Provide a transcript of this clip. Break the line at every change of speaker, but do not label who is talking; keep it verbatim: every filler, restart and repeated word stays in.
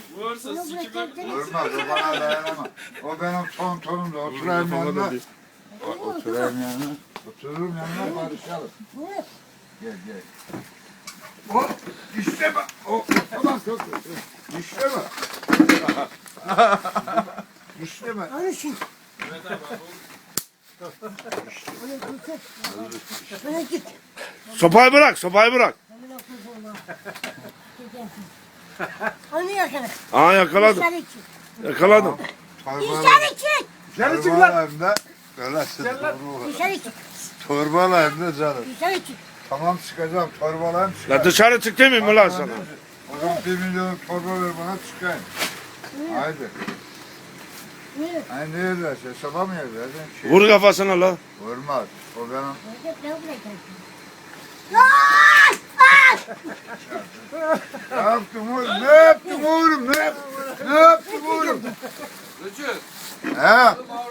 Vursa sikime.
Vurmaz o bana dayanamaz. O benim tontonum da oturayım yanına. O- Oturayım yanına. Otururum yanına barışalım. Gel gel. Hop işte bak. O tamam çok İşte bak. İşte bak.
Alışın.
Evet abi bu.
Bana git.
Sopayı bırak, sopayı bırak.
Onu yakala.
Aa yakaladım.
Dışarı çık.
Yakaladım.
Dışarı çık.
Dışarı çık lan. Torbalayım da. Öyle
Dışarı çık.
torbalayım da canım.
Dışarı çık.
Tamam çıkacağım torbalayım
La
çıkayım.
dışarı çık demeyeyim mi lan sana?
O zaman bir milyon torba ver bana çıkayım. Haydi.
Yürü.
Hani nerede? Hesaba mı yerde? Şey,
Vur kafasına la.
Vurmaz. O benim.
Ne bırakacaksın? Lan!
Ne yaptım oğlum? Ne yaptım oğlum? Ne yaptım? Ne yaptım oğlum?
Rıçı.
He?